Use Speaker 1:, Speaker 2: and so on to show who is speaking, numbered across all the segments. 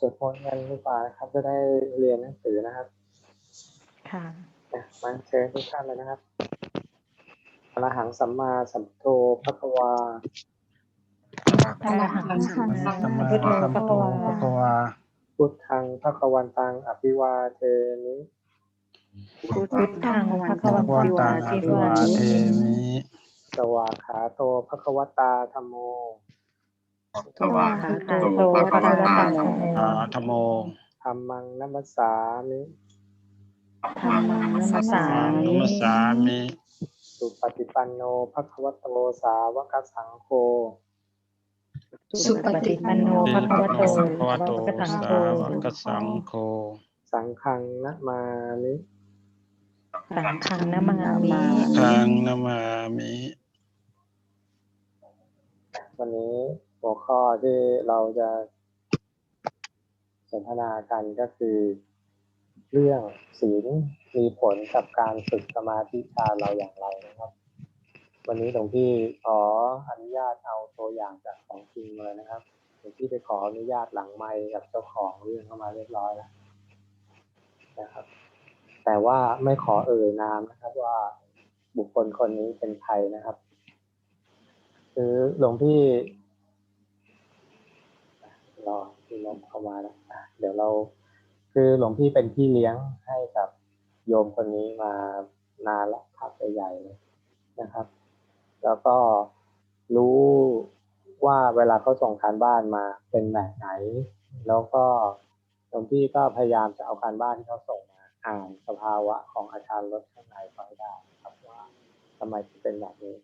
Speaker 1: วดมนต์กันดีกว่านะครับจะได้เรียนหนังสือนะครับ
Speaker 2: ค่ะ
Speaker 1: มาเชิญทุกท่านเลยนะครับอรหังสัมมาสัมพุทโธภควา
Speaker 2: อะระหังสัมมาสัมพุทโธภควา
Speaker 1: พุทธังภควันตังอภิวาเทมิ
Speaker 2: พุทธังภควันตังอภิวาเทมิ
Speaker 1: สวากขาโตภควตาธัมโม
Speaker 2: สวากขาโตภควตาธัมโม
Speaker 1: ธัมมังนัมสสามิ
Speaker 2: ธัมมังนัมสสามิ
Speaker 1: สุปฏิปันโนภควโตสาวกสังโฆ
Speaker 2: สุปฏิปันโนภควโตสาวกสังโฆ
Speaker 1: สังฆังนะมามิ
Speaker 2: สังฆังนะมามิ
Speaker 1: วันนี้หัวข้อที่เราจะสนทนากันก็คือเรื่องศีลมีผลกับการฝึกสมาธิฌานเราอย่างไรนะครับวันนี้หลวงพี่ขออนุญาตเอาตัวอย่างจากของจริงเลยนะครับหลวงพี่ไปขออนุญาตหลังไมค์กับเจ้าของเรื่องเข้ามาเรียบร้อยแล้วนะครับแต่ว่าไม่ขอเอ่ยนามนะครับว่าบุคคลคนนี้เป็นใครนะครับคือหลวงพี่รอที่ลมเข้ามาแล้วเดี๋ยวเราคือหลวงพี่เป็นพี่เลี้ยงให้กับโยมคนนี้มานานแล้วพักใหญ่ๆเลยนะครับแล้วก็รู้ว่าเวลาเขาส่งการบ้านมาเป็นแบบไหนแล้วก็หลวงพี่ก็พยายามจะเอาการบ้านที่เขาส่งมาอ่านสภาวะของอาการลดข้างในเขาให้ได้ครับว่าทำไมถึงเป็นแบบนี้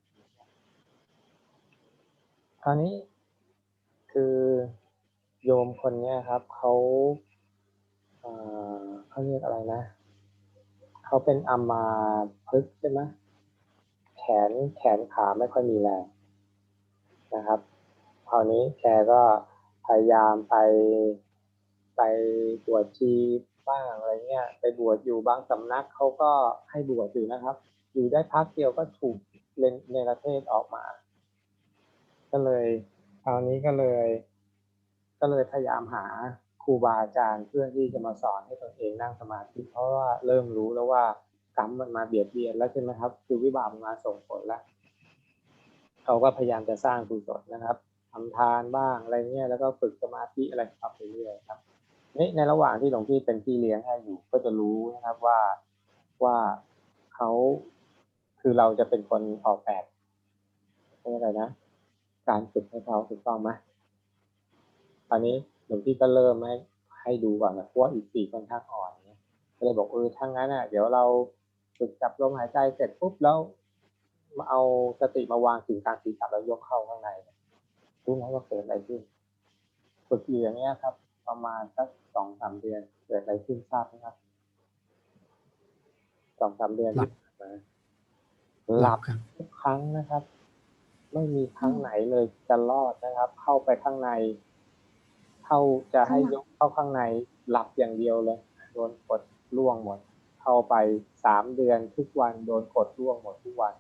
Speaker 1: คราวนี้คือโยมคนนี้ครับเขาเรียกอะไรนะเขาเป็นอัมพฤกษ์ใช่ไหมแขนขาไม่ค่อยมีแรงนะครับคราวนี้แกก็พยายามไปบวชชีบ้างอะไรเงี้ยไปบวชอยู่บางสำนักเขาก็ให้บวชอยู่นะครับอยู่ได้พักเดียวก็ถูกเนรเทศออกมาก็เลยคราวนี้ก็เลยพยายามหาครูบาอาจารย์เพื่อที่จะมาสอนให้ตนเองนั่งสมาธิเพราะว่าเริ่มรู้แล้วว่ากรรมมันมาเบียดเบียนแล้วใช่ไหมครับคือวิบากมันมาส่งผลแล้วเขาก็พยายามจะสร้างกุศลนะครับทำทานบ้างอะไรเงี้ยแล้วก็ฝึกสมาธิอะไรไปเรื่อยๆครับนี่ในระหว่างที่หลวงพี่เป็นพี่เลี้ยงให้อยู่ก็จะรู้นะครับว่าเขาคือเราจะเป็นคนออกแบบอะไรนะการฝึกให้เขาถูกต้องไหมตอนนี้หลวงพี่ก็เริ่มให้ดูก่อนนะเพราะว่าอีก4ค่อนข้างอ่อนเนี่ยก็เลยบอกถ้างั้นเดี๋ยวเราฝึกจับลมหายใจเสร็จปุ๊บแล้วมาเอาสติมาวางถึงกลางศีรษะแล้วยกเข้าข้างในรู้ไหมว่าเกิดอะไรขึ้นฝึกอยู่อย่างเงี้ยครับประมาณสัก 2-3 เดือนเกิดอะไรขึ้นทราบไหมครับ 2-3 เดือนที่ผ่านมาหลับทุกครั้งนะครับไม่มีครั้งไหนเลยจะรอดนะครับเข้าไปข้างในเข้าจะให้ยกเข้าข้างในหลับอย่างเดียวเลยโดนกดล่วงหมดเข้าไป3 เดือนทุกวันโดนกดล่วงหมดทุกวัน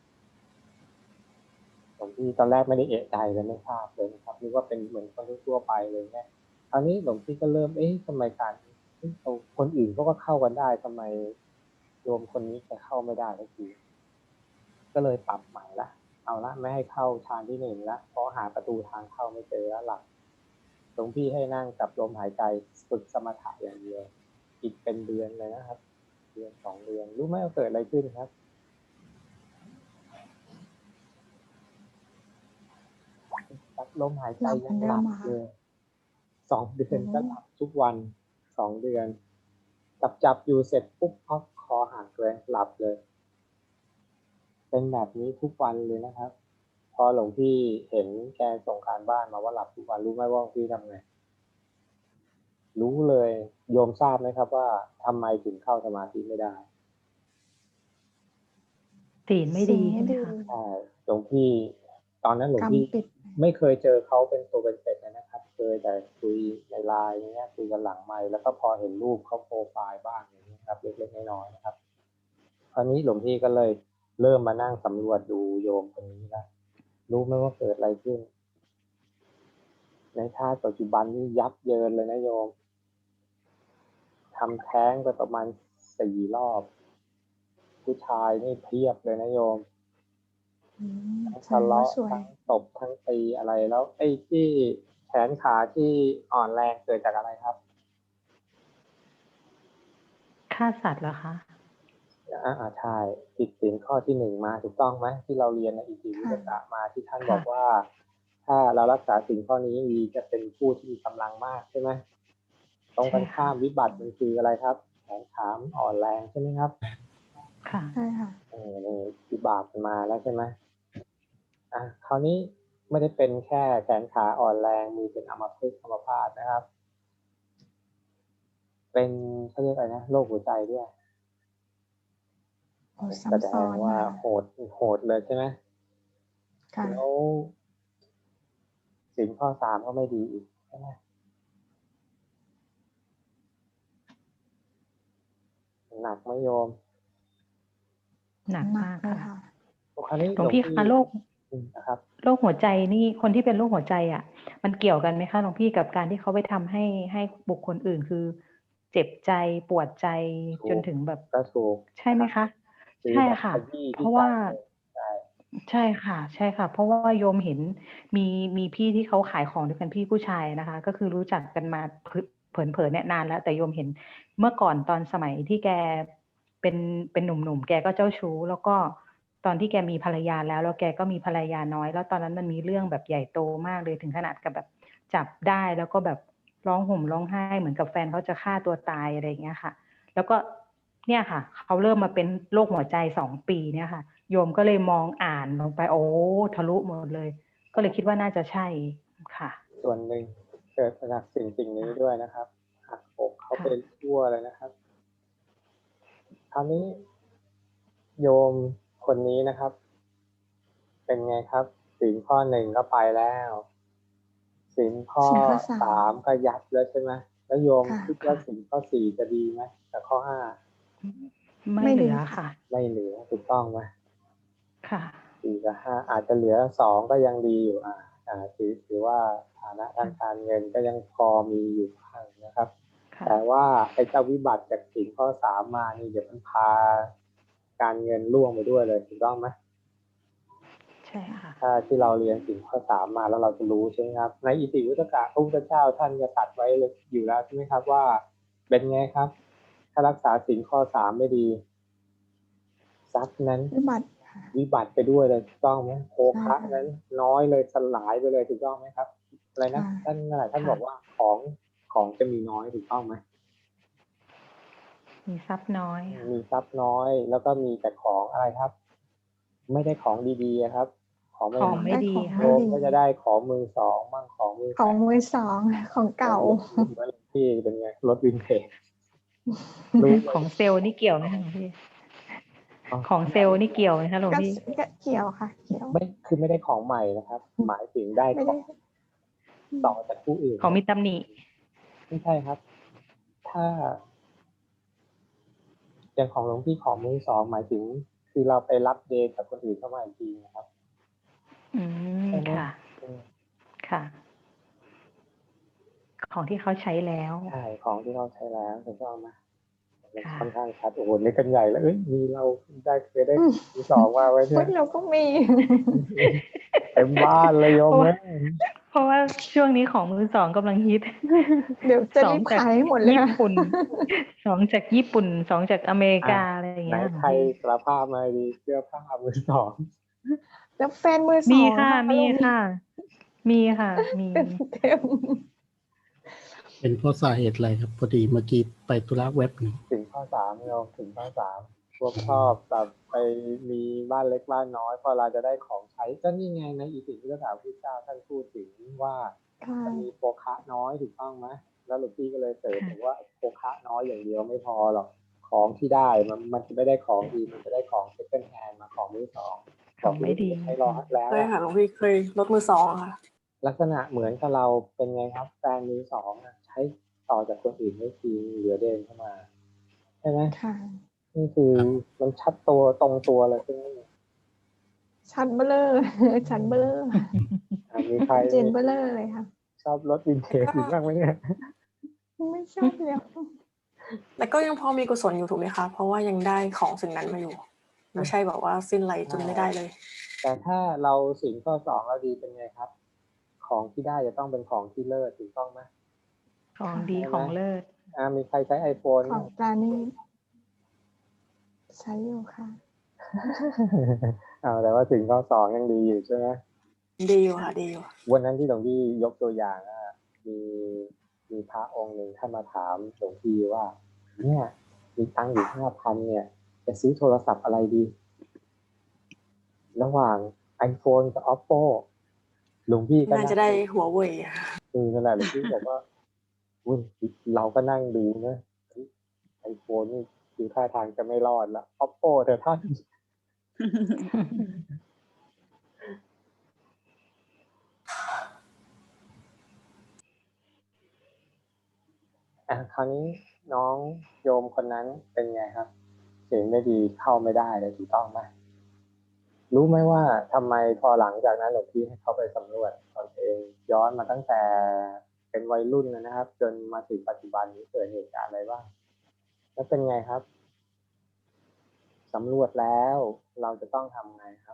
Speaker 1: ผมที่ตอนแรกไม่ได้เอะใจเลยไม่ทราบเลยนะครับนึกว่าเป็นเหมือนคนทั่วไปเลยเนี่ยคราวนี้หลวงพี่ก็เริ่มทำไมการคนอื่นก็เข้ากันได้ทำไมโยมคนนี้จะเข้าไม่ได้สักทีก็เลยปรับใหม่ละเอาละไม่ให้เข้าทางที่1ละเพราะหาประตูทางเข้าไม่เจอแล้วหลักหลวงพี่ให้นั่งกับลมหายใจฝึกสมถะอย่างเดียวอีกเป็นเดือนเลยนะครับเดือน2 เดือนรู้ไหมว่าเกิดอะไรขึ้นครับจับลมหายใจยังหลับเลย2 เดือนก็หลับทุกวัน2 เดือนจับอยู่เสร็จปุ๊บพักคอหักเลยหลับเลยเป็นแบบนี้ทุกวันเลยนะครับพอหลวงพี่เห็นแกส่งการบ้านมาว่าหลับทุกวันรู้ไหมว่าพี่ทำไงรู้เลยโยมทราบไหมครับว่าทำไมถึงเข้าสมาธิไม่ได้
Speaker 2: ศีลไม่ดีใช่ไหมคะ
Speaker 1: ใช่หลวงพี่ตอนนั้นหลวงพี่ไม่เคยเจอเขาเป็นตัวเป็นๆนะครับเคยแต่คุยในไลน์อย่างเงี้ยคุยกันหลังไมค์แล้วก็พอเห็นรูปเขาโปรไฟล์บ้างอย่างเงี้ยครับเล็กๆน้อยๆนะครับคราวนี้หลวงพี่ก็เลยเริ่มมานั่งสำรวจดูโยมคนนี้นะรู้ไหมว่าเกิดอะไรขึ้นในในชาติปัจจุบันนี่ยับเยินเลยนะโยมทำแท้งไปประมาณ4 รอบผู้ชายนี่เพียบเลยนะโยมทั้งทะเลาะทั้งตบทั้งตีอะไรแล้วไอ้ที่แขนขาที่อ่อนแรงเกิดจากอะไรครับ
Speaker 3: ฆ่าสัตว์เหรอคะ
Speaker 1: ใช่ผิดศีลข้อที่ 1มาถูกต้องไหมที่เราเรียนในอิติวิทยามาที่ท่านบอกว่าถ้าเรารักษาศีลข้อนี้ดีจะเป็นผู้ที่มีกำลังมากใช่ไหมตรงกันข้ามวิบัติมันคืออะไรครับแขนขาอ่อนแรงใช่ไหมครับ
Speaker 3: ค่ะ
Speaker 2: ใช่ค่ะ
Speaker 1: วิบากมันมาแล้วใช่ไหมคราวนี้ไม่ได้เป็นแค่แขนขาอ่อนแรงมือเป็นอัมพฤกษ์อัมพาตนะครับเป็นเขาเรียกอะไรนะโรคหัวใจด้วยแสดงว่าโหดเลยใช่ไหมแล้วศีลข้อ 3ก็ไม่ดีอีกใช่ไหมหนักไหมโยม
Speaker 3: หนักมากค่ะ
Speaker 1: หลวง
Speaker 3: พี่คะโรคหัวใจนี่คนที่เป็นโรคหัวใจมันเกี่ยวกันไหมคะหลวงพี่กับการที่เขาไปทำให้บุคคลอื่นคือเจ็บใจปวดใจจนถึงแบบ
Speaker 1: ก็ถูก
Speaker 3: ใช่ไหมคะใช่ค่ะเพราะว่าใช่ค่ะใช่ค่ะเพราะว่าโยมเห็นมีพี่ที่เขาขายของด้วยกันพี่ผู้ชายนะคะก็คือรู้จักกันมาเผลเนี่ยนานแล้วแต่โยมเห็นเมื่อก่อนตอนสมัยที่แกเป็นหนุ่มๆแกก็เจ้าชู้แล้วก็ตอนที่แกมีภรรยาแล้วแกก็มีภรรยาน้อยแล้วตอนนั้นมันมีเรื่องแบบใหญ่โตมากเลยถึงขนาดกับแบบจับได้แล้วก็แบบร้องห่มร้องไห้เหมือนกับแฟนเขาจะฆ่าตัวตายอะไรอย่างเงี้ยค่ะแล้วก็เนี่ยค่ะเขาเริ่มมาเป็นโรคหัวใจ2 ปีเนี่ยค่ะโยมก็เลยมองอ่านลงไปโอ้ทะลุหมดเลยก็เลยคิดว่าน่าจะใช่ค่ะ
Speaker 1: ส่วนหนึ่งเกิดจากสิ่งนี้ด้วยนะครับหักอกเขาเป็นทั่วเลยนะครับคราวนี้โยมคนนี้นะครับเป็นไงครับศีลข้อ 1ก็ไปแล้วศีลข้อ 3ก็ยับแล้วใช่ไหมแล้วโยมคิดว่าศีลข้อ 4จะดีไหมกับข้อ 5
Speaker 3: ไม่เหลือค่ะ
Speaker 1: ไม่เหลือถูกต้องไหม
Speaker 3: ค่ะ
Speaker 1: 4กับ5อาจจะเหลือ2ก็ยังดีอยู่ถือว่าฐานะทางการเงินก็ยังพอมีอยู่บ้างนะครับแต่ว่าไอ้เจ้าวิบัติจากศีลข้อ 3มานี่เดี๋ยวมันพาการเงินล่วงไปด้วยเลยถูกต้องไหม
Speaker 3: ใช่ค่ะ
Speaker 1: ถ้าที่เราเรียนศีลข้อ 3มาแล้วเราจะรู้ใช่ไหมครับในอิติวุตกะพระพุทธเจ้าท่านจะตัดไว้อยู่แล้วใช่ไหมครับว่าเป็นไงครับถ้ารักษาศีลข้อ 3ไม่ดีทรัพย์นั้นวิบัติไปด้วยเลยถูกต้องไหมโภคะนั้นน้อยเลยสลายไปเลยถูกต้องไหมครับอะไรนะท่านบอกว่าของจะมีน้อยถูกต้องไหม
Speaker 3: มีทรัพย์น้อย
Speaker 1: มีทรัพย์น้อยแล้วก็มีแต่ของอะไรครับไม่ได้ของดีๆครับของ
Speaker 3: ไม่ดี
Speaker 1: โยมก็จะได้ของมือสองบ้างของมือ
Speaker 2: ของเก่า
Speaker 1: เหมือนที่เป็นไงรถวินเทจ
Speaker 3: ของเซลล์นี่เกี่ยวไหมคะหลวงพี่ของเซลล์นี่เกี่ยวไหมคะหลวงพี่
Speaker 2: เกี่ยวค่ะเกี่ยว
Speaker 1: ไม่ได้ของใหม่นะครับหมายถึงได้ของต่อจากผู้อื่น
Speaker 3: ของมีตำหนิ
Speaker 1: ไม่ใช่ครับถ้าอย่างของหลวงพี่ของมือสองหมายถึงคือเราไปรับเดทกับคนอื่นเข้ามาอีกทีนะครับ
Speaker 3: ค่ะค่ะของที่เขาใช้แล้ว
Speaker 1: ใช่ของที่เขาใช้แล้วถูกต้องไหมค่อนข้างชัดโอ้โหนี่กันใหญ่แล้วมีเราเคยได้มือสองมาไว้เนี่ย
Speaker 2: เราก็มี
Speaker 1: เต็มบ้านเลยโยม
Speaker 3: เพราะว่าช่วงนี้ของมือสองกำลังฮิต
Speaker 2: เดี๋ยวจะรีบขายหมดเลย
Speaker 3: ญี่ปุ่น2จากญี่ปุ่น2จากอเมริกาอะไรอย่างเงี้ย
Speaker 1: ใครสารภาพมาดีเสื้อผ้ามือสอง
Speaker 2: แล้วแฟนมือสอง
Speaker 3: มีค่ะมี
Speaker 1: เป็น
Speaker 4: เพราะสาเหตุอะไรครับพอดีเมื่อกี้ไปธุระเว็บหนึ่ง
Speaker 1: ถึงข้อ 3โยมถึงข้อ 3พวกชอบแบบไปมีบ้านเล็กบ้านน้อยพอเราจะได้ของใช้ก็นี่ไงในอิติปิโสพระพุทธเจ้าท่านพูดถึงว่าจะมีโภคะน้อยถูกต้องไหมแล้วหลวงพี่ก็เลยเสริมว่าโภคะน้อยอย่างเดียวไม่พอหรอกของที่ได้มันจะไม่ได้ของดีมันจะได้ของเซ็คันด์แฮนด์มาของมือสอง
Speaker 3: ของไม่ดี
Speaker 1: ใช้รอแล้ว
Speaker 2: เคยค่ะหลวงพี่เคยรถมือสองค่ะ
Speaker 1: ลักษณะเหมือนกับเราเป็นไงครับแฟนมือสองใช้ต่อจากคนอื่นไม่ทีเหลือเดินเข้ามาใช่ไหมนี่คือมันชัดตัวตรงตัวเลยใช่ไหม
Speaker 2: ชัดเบลอชัดเบลอ
Speaker 1: มีใคร
Speaker 2: เจนเบลอเลยค่ะ
Speaker 1: ชอบรถวินเทจอยู่บ้างไหมเนี่ย
Speaker 5: ไม่ชอบแล้ว
Speaker 2: แต่ก็ยังพอมีกุศลอยู่ถูกไหมคะเพราะว่ายังได้ของสิ่งนั้นมาอยู่ไม่ใช่แบบว่าสิ้นไรจนไม่ได้เลย
Speaker 1: แต่ถ้าเราศีลข้อสองเราดีเป็นไงครับ ของที่ได้จะต้องเป็นของที่เลิศถูกต้องไหม
Speaker 3: ของดีของเลิศ
Speaker 1: มีใครใช้ iPhone
Speaker 5: ของปลานี่ใช้อยู่ค่ะ
Speaker 1: แต่ว่าศีลข้อสองยังดีอยู่ใช่ไหม
Speaker 2: ดีอยู่ค่ะดีอยู่
Speaker 1: วันนั้นที่หลวงพี่ยกตัวอย่างมีมีพระองค์หนึ่งท่านมาถามหลวงพี่ว่า เนี่ยมีตังค์อยู่5,000เนี่ย จะซื้อโทรศัพท์อะไรดี ระหว่าง iPhone กับ Oppo หลวงพี่ก็
Speaker 2: น่าจะได้หัวเว่ย
Speaker 1: นั่นแหละหลวงพี่บอกว่าอุ้ยเราก็นั่งดูนะไอโฟนนี่ดูท่าทางจะไม่รอดละ Oppo เถอะท่าน คราวนี้น้องโยมคนนั้นเป็นไงครับเสียงไม่ดีเข้าไม่ได้เลยถูกต้องไหมรู้ไหมว่าทำไมพอหลังจากนั้นหลวงพี่ให้เขาไปสำรวจตนเองย้อนมาตั้งแต่เป็นวัยรุ่นนะครับ จนมาถึงปัจจุบันนี้เกิดเหตุการณ์อะไรบ้างแล้วเป็นไงครับสำรวจแล้วเราจะต้องทำไงครับ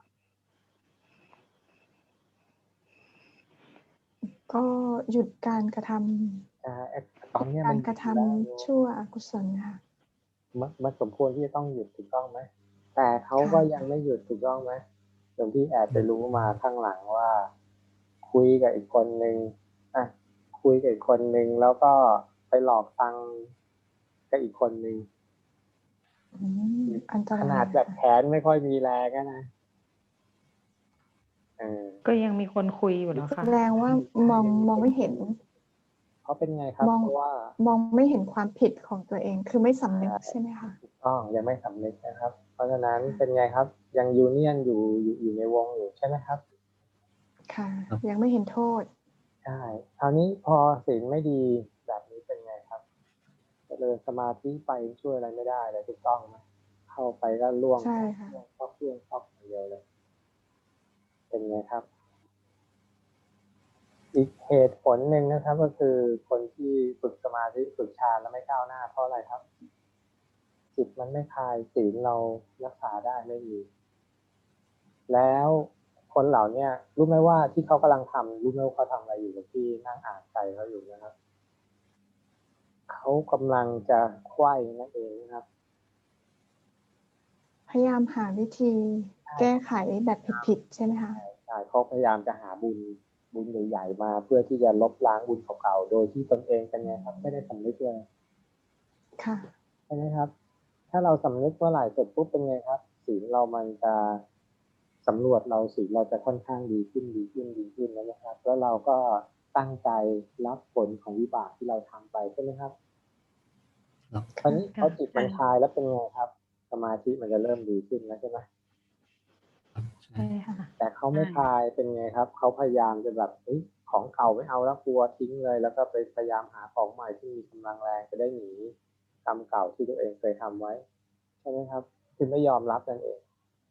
Speaker 5: ก็หยุดการกระท
Speaker 1: ตอนนี้
Speaker 5: ำกา
Speaker 1: มัน
Speaker 5: รกระทำชั่วอกุศลค่ะ
Speaker 1: มันสมควรที่จะต้องหยุดถูกต้องไหมแต่เขาก็ยังไม่หยุดถูกต้องไหมหลวงพี่แอบไปรู้มาข้างหลังว่า คุยกับอีกคนนึงคุยกับอีกคนนึงแล้วก็ไปหลอกตังค์กับอีกคนนึง
Speaker 5: อันตราย
Speaker 1: ขนาดแบบแขนไม่ค่อยมีแรงนะ
Speaker 3: ก็ยังมีคนคุยอยู่เนาะ
Speaker 5: แส
Speaker 3: ค่ะ
Speaker 5: ดงว่ามองไม่เห็น
Speaker 1: เขาเป็นไงครับเพราะว่าม
Speaker 5: องไม่เห็นความผิดของตัวเองคือไม่สำนึกใช่ไหมคะ
Speaker 1: ถูกต้องยังไม่สำนึกนะครับ เพราะฉะนั้นเป็นไงครับ ยังยูเนียนอยู่ในวงอยู่ใช่ไหมครับ
Speaker 5: ค่ะ ยังไม่เห็นโทษ
Speaker 1: ใช่คราวนี้พอศีลไม่ดีแบบนี้เป็นไงครับเจริญสมาธิไปช่วยอะไรไม่ได้เลยถูกต้องไหมเข้าไปก็ล่วง
Speaker 5: ใช่ค่ะ
Speaker 1: ชอบอย่างเดียวเลย เป็นไงครับ อีกเหตุผลหนึ่งนะครับ ก็คือคนที่ฝึกสมาธิฝึกฌานแล้วไม่ก้าวหน้าเพราะอะไรครับ จิตมันไม่คลายศีลเรารักษาได้ไม่มีแล้วคนเหล่านี้รู้ไหมว่าที่เขากำลังทำรู้ไหมว่าเขาทำอะไรอยู่ที่นั่งอ่านใจเขาอยู่นะครับเขากำลังจะไขว้นั่นเองนะครับ
Speaker 5: พยายามหาวิธีแก้ไขแบบผิดๆใช่ไหมคะ
Speaker 1: ใช่เขาพยายามจะหาบุญใหญ่ๆมาเพื่อที่จะลบล้างบุญเก่าๆโดยที่ตนเองเป็นไงครับไม่ได้สำนึกเลย
Speaker 5: ค่ะ
Speaker 1: ใช่ไหมครับ ถ้าเราสำนึกเมื่อไหร่เสร็จปุ๊บเป็นไงครับศีลเรามันจะสำรวจเราศีลเราจะค่อนข้างดีขึ้นแล้วนะครับ แล้วเราก็ตั้งใจรับผลของวิบากที่เราทำไปใช่ไหมครับ
Speaker 4: ครับ
Speaker 1: ตอนนี้เขาจิตมันคลายแล้วเป็นไงครับ สมาธิมันจะเริ่มดีขึ้นแล้วใช่ไหม
Speaker 3: ใช่ค่ะ
Speaker 1: แต่เขาไม่คลายเป็นไงครับเขาพยายามจะแบบของเก่าไม่เอาแล้วกลัวทิ้งเลย แล้วก็ไปพยายามหาของใหม่ที่มีกำลังแรงจะได้หนีกรรมเก่าที่ตัวเองเคยทำไว้ใช่ไหมครับคือไม่ยอมรับนั่นเอง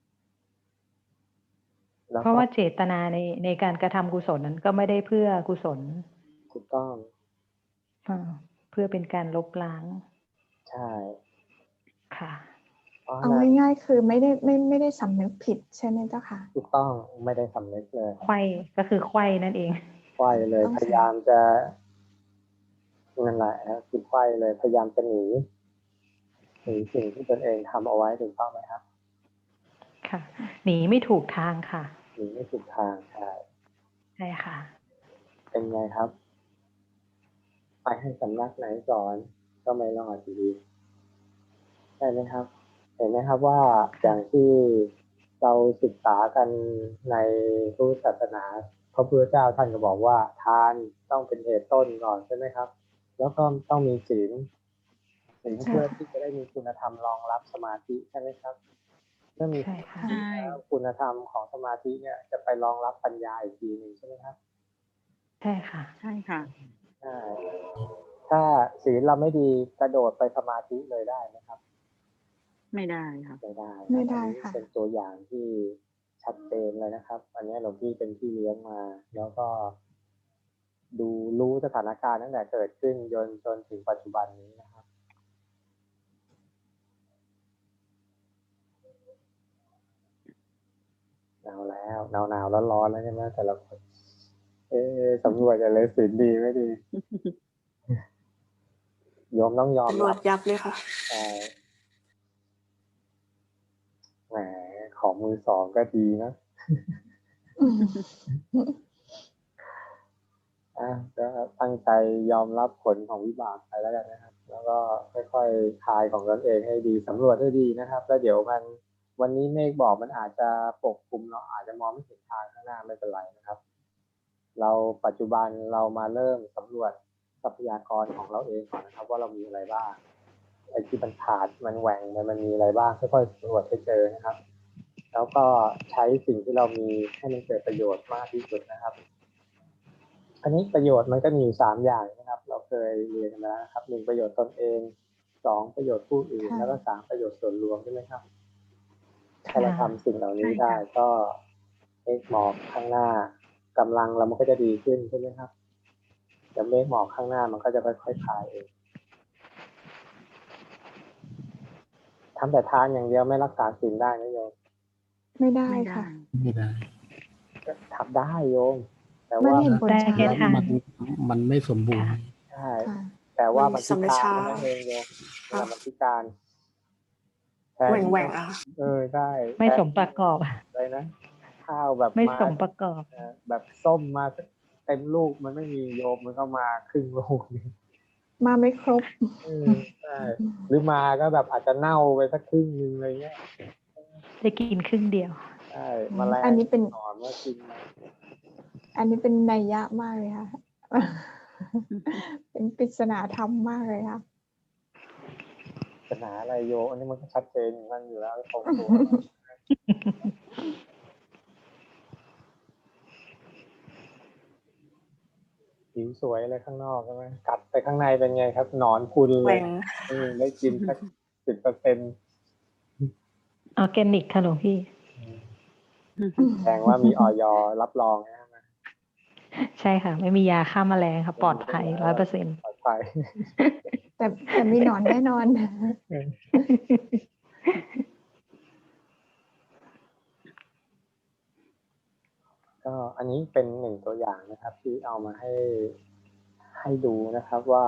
Speaker 1: แล้ว
Speaker 3: เพราะว่าเจตนาในการกระทำกุศลนั้นก็ไม่ได้เพื่อกุศล
Speaker 1: ถูกต้อง
Speaker 3: เพื่อเป็นการลบล้าง
Speaker 1: ใช่
Speaker 3: ค่ะ
Speaker 1: เพราะ
Speaker 5: เอา
Speaker 1: นั้น
Speaker 5: ง่ายๆคือไม่ได้สำนึกผิดใช่ไหมเจ้าค่ะ
Speaker 1: ถูกต้องไม่ได้สำนึกเลย
Speaker 3: ไขว้ก็คือไขว้นั่นเอง
Speaker 1: ไขว้เลย
Speaker 5: ต้องใช้
Speaker 1: พยายามจะนั่นแหละคือไขว้เลยพยายามจะหนีสิ่งที่ตนเองทำเอาไว้ถูกต้องไหมครับ
Speaker 3: ค่ะ หนีไม่ถูกทางค่ะ
Speaker 1: หนีไม่ถูกทางใช่
Speaker 3: ใช่ค่ะ
Speaker 1: เป็นไงครับ ไปให้สำนักไหนสอนก็ไม่รอดอยู่ดีใช่ไหมครับ เห็นไหมครับว่าอย่างที่เราศึกษากันในพุทธศาสนาพระพุทธเจ้าท่านก็บอกว่าทานต้องเป็นเหตุต้นก่อนใช่ไหมครับ แล้วก็ต้องมีศีลเพื่อที่จะได้มีคุณธรรมรองรับสมาธิใช่ไหมครับเมื่อมี
Speaker 3: ใช่ค่ะ
Speaker 5: ใช่
Speaker 1: แล้วคุณธรรมของสมาธิเนี่ยจะไปรองรับปัญญาอีกทีหนึ่งใช่ไหมครับ
Speaker 3: ใช่ค่ะ
Speaker 6: ใช่ค่ะ
Speaker 1: ใช่ถ้าศีลเราไม่ดีกระโดดไปสมาธิเลยได้ไหมครับ
Speaker 6: ไม่ได้ค่ะ
Speaker 1: ไม่ได้
Speaker 5: ไม่ได้
Speaker 1: อันนี้
Speaker 5: ค่ะ
Speaker 1: เป็นตัวอย่างที่ชัดเจนเลยนะครับ อันนี้หลวงพี่เป็นพี่เลี้ยงมา แล้วก็ดูรู้สถานการณ์ตั้งแต่เกิดขึ้นจนถึงปัจจุบันนี้นะครับหนาวแล้วหนาวร้อนๆแล้วใช่ไหมแต่ละคนสำรวจจะเลยศีลดีไม่ดี โยมต้องยอม
Speaker 2: ตำรว
Speaker 1: รั
Speaker 2: จ
Speaker 1: บ
Speaker 2: ยับเลยค่ะ
Speaker 1: แหมของมือสองก็ดีนะ ก็ตั้งใจยอมรับผลของวิบากไปแล้วกันนะครับ แล้วก็ค่อยๆคลายของตนเองให้ดีสำรวจให้ดีนะครับ แล้วเดี๋ยววันนี้เมฆบอกมันอาจจะปกคลุมเราอาจจะมองไม่เห็นทางข้างหน้าไม่เป็นไรนะครับ เราปัจจุบันเรามาเริ่มสำรวจทรัพยากรของเราเองก่อนนะครับ ว่าเรามีอะไรบ้างไอ้ที่มันขาดมันแหว่งมันมีอะไรบ้างค่อยๆสำรวจให้เจอนะครับ แล้วก็ใช้สิ่งที่เรามีให้มันเกิดประโยชน์มากที่สุดนะครับ อันนี้ประโยชน์มันก็มีอยู่3อย่างนะครับ เราเคยเรียนกันมาแล้วนะครับ1ประโยชน์ตนเอง2ประโยชน์ผู้อื่น
Speaker 5: ค่ะ
Speaker 1: แล้วก็3ประโยชน์ส่วนรวมใช่ไหมครับ ถ้า
Speaker 3: ค่ะ
Speaker 1: เราทำสิ่งเหล่านี้
Speaker 6: ใช่ค่ะ
Speaker 1: ได้ก็เมฆหมอกข้างหน้ากำลังเรามันก็จะดีขึ้นใช่ไหมครับแต่เมฆหมอกข้างหน้ามันก็จะค่อยๆคลายเองทำแต่ทานอย่างเดียวไม่รักษาศีลได้นะโยม
Speaker 5: ไม่ได้
Speaker 6: ไม่ได้
Speaker 5: ค่ะ
Speaker 4: ไม่ได้
Speaker 1: ก็ทำได้โยม แต่
Speaker 5: มัน
Speaker 1: ว่า
Speaker 5: เห็นผล
Speaker 3: ได้
Speaker 5: ช้า
Speaker 3: แค่ทาน
Speaker 4: มันไม่สมบูรณ์
Speaker 1: ใช่
Speaker 5: ค่ะ
Speaker 1: แต่ว่า
Speaker 2: มั
Speaker 1: มัน
Speaker 2: น
Speaker 1: พิ
Speaker 2: สำเร็จ
Speaker 1: การ
Speaker 2: ช้า
Speaker 1: เท่านั้นเองโยม
Speaker 2: ค่ะ
Speaker 1: มันพิการแทน
Speaker 2: แหว่งๆอะ
Speaker 1: ได้
Speaker 3: ไม่สมประกอบ
Speaker 1: อะไรนะข้าวแบบ
Speaker 3: ไม่
Speaker 1: มา
Speaker 3: สมประกอบ
Speaker 1: แบบส้มมาเต็มลูกมันไม่มีโยมมันก็มาครึ่งลูกนี่
Speaker 5: มาไม่ครบ
Speaker 1: ใช่หรือมาก็แบบอาจจะเน่าไปสักครึ่งนึงอะไรเงี้ย
Speaker 3: ได้กินครึ่งเดียว
Speaker 1: ใช่แมลง
Speaker 5: อันนี้เป็น
Speaker 1: หนอนมากินมา
Speaker 5: อันนี้เป็นนัยยะมากเลยค่ะ เป็นปริศนาธรรมมากเลยค่ะ
Speaker 1: ปัญหาอะไรโยอันนี้มันก็ชัดเจนของมันอยู่แล้วตรงตัว ผิวสวยอะไรข้างนอกใช่ไหมกัดไปข้างในเป็นไงครับหนอนพุน
Speaker 2: แห
Speaker 1: เล
Speaker 2: ว่
Speaker 1: ย
Speaker 2: ง
Speaker 1: ได้กินสัก10%
Speaker 3: ออร์แกนิกค่ะหลวงพี่
Speaker 1: แสดงว่ามี อย.รับรองนะ
Speaker 3: ใช่ค่ะ ไม่มียาฆ่าแมลงค่ะ ปลอดภัย 100%
Speaker 1: ปลอดภัย
Speaker 5: แต่มีหนอนแน่นอน
Speaker 1: ก็อันนี้เป็น1ตัวอย่างนะครับ ที่เอามาให้ดูนะครับว่า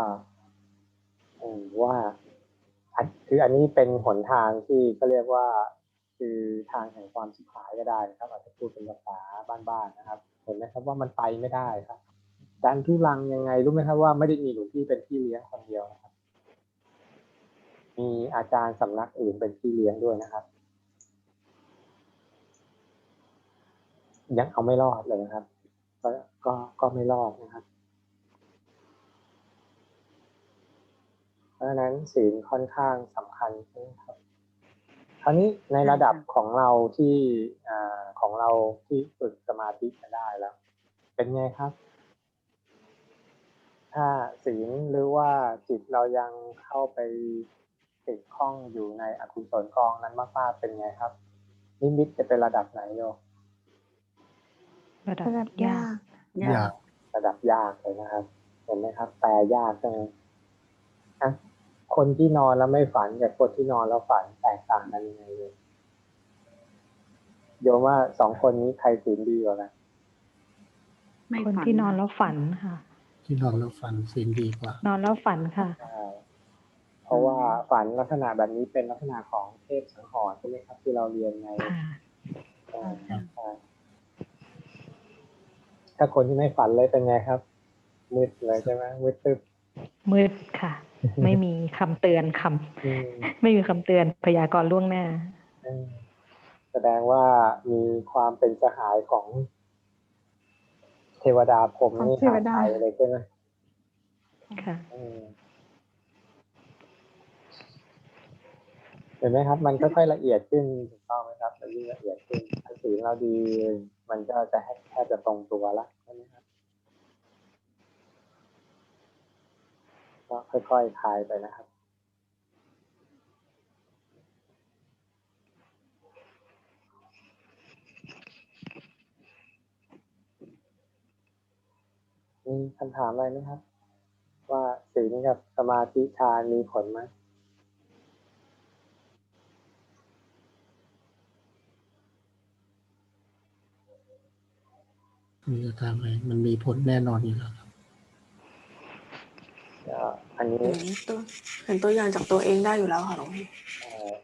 Speaker 1: คืออันนี้เป็นหนทางที่ก็เรียกว่าคือทางแห่งความชิบหายก็ได้นะครับ อาจจะพูดเป็นภาษาบ้านๆนะครับ เห็นไหมครับว่ามันไปไม่ได้ครับดันทุรังยังไงรู้ไหมครับว่าไม่ได้มีหลวงพี่เป็นพี่เลี้ยงคนเดียวนะครับ มีอาจารย์สำนักอื่นเป็นพี่เลี้ยงด้วยนะครับ ยังเอาไม่รอดเลยนะครับ ก็ไม่รอดนะครับ เพราะฉะนั้นศีลค่อนข้างสำคัญใช่ไหมครับ คราวนี้ในระดับของเราที่ฝึกสมาธิกันได้แล้ว เป็นไงครับ ถ้าศีลหรือว่าจิตเรายังเข้าไปติดข้องอยู่ในอกุศลกองนั้นมากๆเป็นไงครับ นิมิตจะเป็นระดับไหนโยม
Speaker 3: ระดับ
Speaker 5: ระดับ
Speaker 3: ยาย
Speaker 5: าก ก
Speaker 4: ยาก
Speaker 1: ระดับยากเลยนะครับ เห็นไหมครับ แปลยากจังนะคนที่นอนแล้วไม่ฝันกับคนที่นอนแล้วฝันแตกต่างกันยังไงเลยโยมว่า2คนนี้ใครศีลดีกว่ากัน
Speaker 6: ไม่
Speaker 3: คน
Speaker 6: ฝัน
Speaker 3: ที่นอนแล้วฝันค่ะ
Speaker 4: ที่นอนแล้วฝันศีลดีกว่า
Speaker 3: นอนแล้วฝันค่ะ
Speaker 1: ใช่เพราะว่าฝันลักษณะแบบนี้เป็นลักษณะของเทพสังหรณ์ใช่ไหมครับที่เราเรียนใน
Speaker 3: ค่ะ
Speaker 1: ถ้าคนที่ไม่ฝันเลยเป็นไงครับมืดเลยใช่ไหมมืดตึ๊บ
Speaker 3: มืดค่ะ ไม่มีคำเตือนไม่มีคำเตือนพยากรณ์ล่วงหน้า
Speaker 1: แสดงว่ามีความเป็นสหายของเทวดาพรหมนี่
Speaker 5: ของเทวดา
Speaker 1: หายไปเลยใช่ไหม
Speaker 3: ค่ะ
Speaker 1: เห็นไหมครับ มันค่อยๆละเอียดขึ้นถูกต้องไหมครับมันยิ่งละเอียดขึ้นถ้าศีลเราดี มันก็จะแทบจะตรงตัวละใช่ไหมครับก็ค่อยๆคลายไปนะครับมีคำถามอะไรไหมครับ ว่าศีลกับสมาธิฌานมีผลไหม
Speaker 4: มีจะทำอะไรมันมีผลแน่นอนอยู่แล้วครับ
Speaker 1: ก็อันนี้
Speaker 2: เห็นตัวอย่างจากตัวเองได้อยู่แล้วค่ะหลวงพี่
Speaker 1: เอ่อ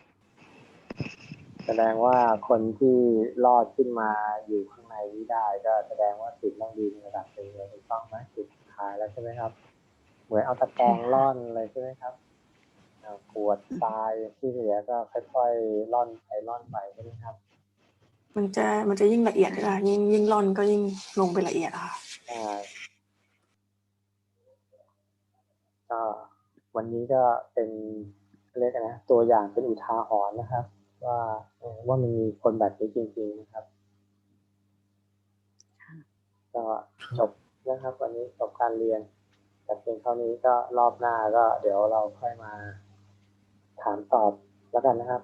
Speaker 1: แสดงว่าคนที่รอดขึ้นมาอยู่ข้างในนี้ได้ ก็แสดงว่าศีลต้องดีในระดับหนึ่งเลยถูกต้องไหมจุดสุดท้ายแล้วใช่ไหมครับ เหมือนเอาตะแกรงร่อนเลยใช่ไหมครับปวดตายที่เหลือก็ค่อยๆร่อนไปร่อนไปใช่ไหมครับ
Speaker 2: มันจะยิ่งละเอียดค่ะยิ่งร่อนก็ยิ่งลงไปละเอียดค่ะ
Speaker 1: ใช่ก็วันนี้ก็เป็นเรียกอะไรนะตัวอย่างเป็นอุทาหรณ์นะครับ ว่ามันมีคนแบบนี้จริงๆนะครับ ก็จบนะครับ วันนี้จบการเรียนแต่เพียงเท่านี้ก็รอบหน้าก็เดี๋ยวเราค่อยมาถามตอบแล้วกันนะครับ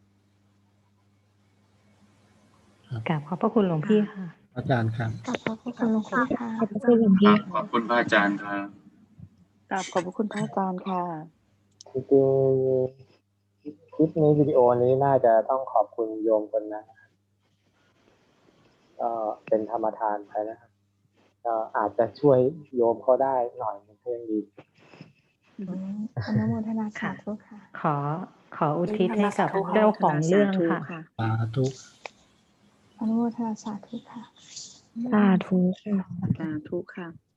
Speaker 3: กราบขอบพระคุณหลวงพี่ค่ะ
Speaker 4: อาจารย์ครับ
Speaker 5: ขอบพระคุณหลวงพี่ค่ะ
Speaker 3: ขอบพระคุณหลวงพี่
Speaker 7: ขอบคุณพระอาจารย์ครับ
Speaker 8: กราบขอบพระคุณพระอาจารย์ค่ะ
Speaker 1: จริงๆคลิปนี้วิดีโอนี้น่าจะต้องขอบคุณโยมคนนั้นนะครับก็เป็นธรรมทานไปนะครับ ก็อาจจะช่วยโยมเขาได้หน่อยนึงก็ยังดี
Speaker 5: อนุโมทนาสาธุค่ะ
Speaker 3: ขออุทิศให้กับเจ้าของเรื่องค่ะ
Speaker 4: สาธุ
Speaker 5: อนุโมทนาสาธุค่ะ
Speaker 3: สาธุค่ะ
Speaker 8: สาธุค่ะ